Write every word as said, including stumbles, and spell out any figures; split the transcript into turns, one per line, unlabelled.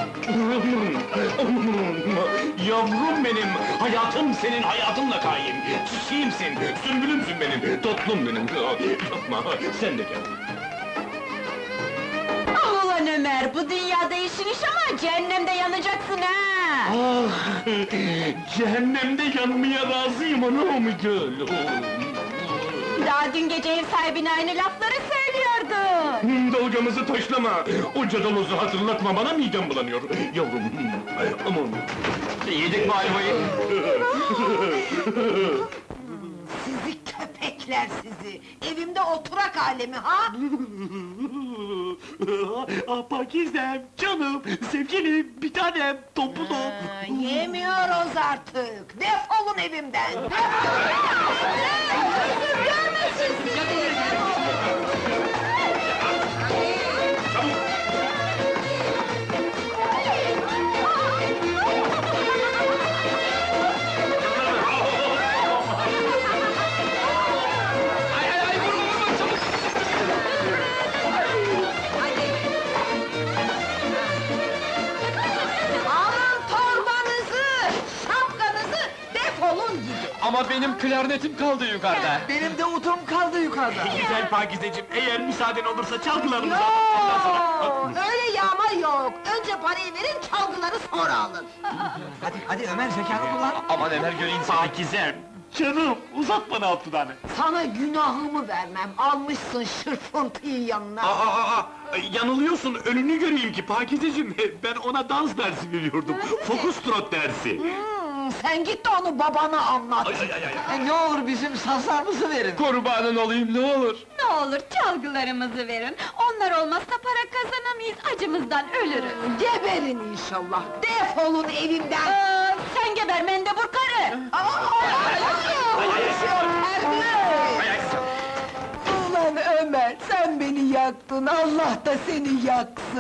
Yavrum benim, hayatım senin hayatınla kaim. Çiçeğimsin, sümbülümsün benim, tatlım benim. Yapma, sen de gel.
Ah ulan Ömer, bu dünyada işin iş ama cehennemde yanacaksın ha!
Ah, cehennemde yanmaya razıyım anam gül.
Daha dün gece ev sahibine aynı lafları söylüyordun!
Dalgamızı taşlama, o cadalozu hatırlatma, bana midem bulanıyor. Yavrum, aman.
Yedik mi ayvayı?
Sizi köpekler sizi! Evimde oturak alemi ha?
Ah Pakizem, canım, sevgilim, bir tanem, tombulum.
Ha, yemiyoruz artık! Defolun evimden! Alın torbanızı, şapkanızı, defolun gidin!
Ama benim klarnetim kaldı yukarıda.
Benim de udum kaldı yukarıda.
Güzel Pakizeciğim, eğer müsaaden olursa çalgılarımızı...
Yok! Öyle yağma yok! Önce parayı verin, çalgıları sonra alın!
Hadi, hadi Ömer, zekanı kullan.
Aman Ömer göreyim seni.
Pakizem, canım, uzat bana altı tane.
Sana günahımı vermem, almışsın şırfıntıyı yanına!
Aa, aa, aa, yanılıyorsun, önünü göreyim ki Pakizeciğim, ben ona dans dersi veriyordum, fokus trot dersi.
Hmm, sen git de onu babana anlat!
Ay, ay, ay, ay.
E, ne olur bizim sazlarımızı verin.
Kurbanın olayım ne olur.
Ne olur çalgılarımızı verin, onlar olmazsa para kazanamayız, acımızdan ölürüz!
Geberin inşallah! Defolun evimden!
Aa, sen geber mendebur karı!
Ulan Ömer, sen beni yaktın, Allah da seni yaksın!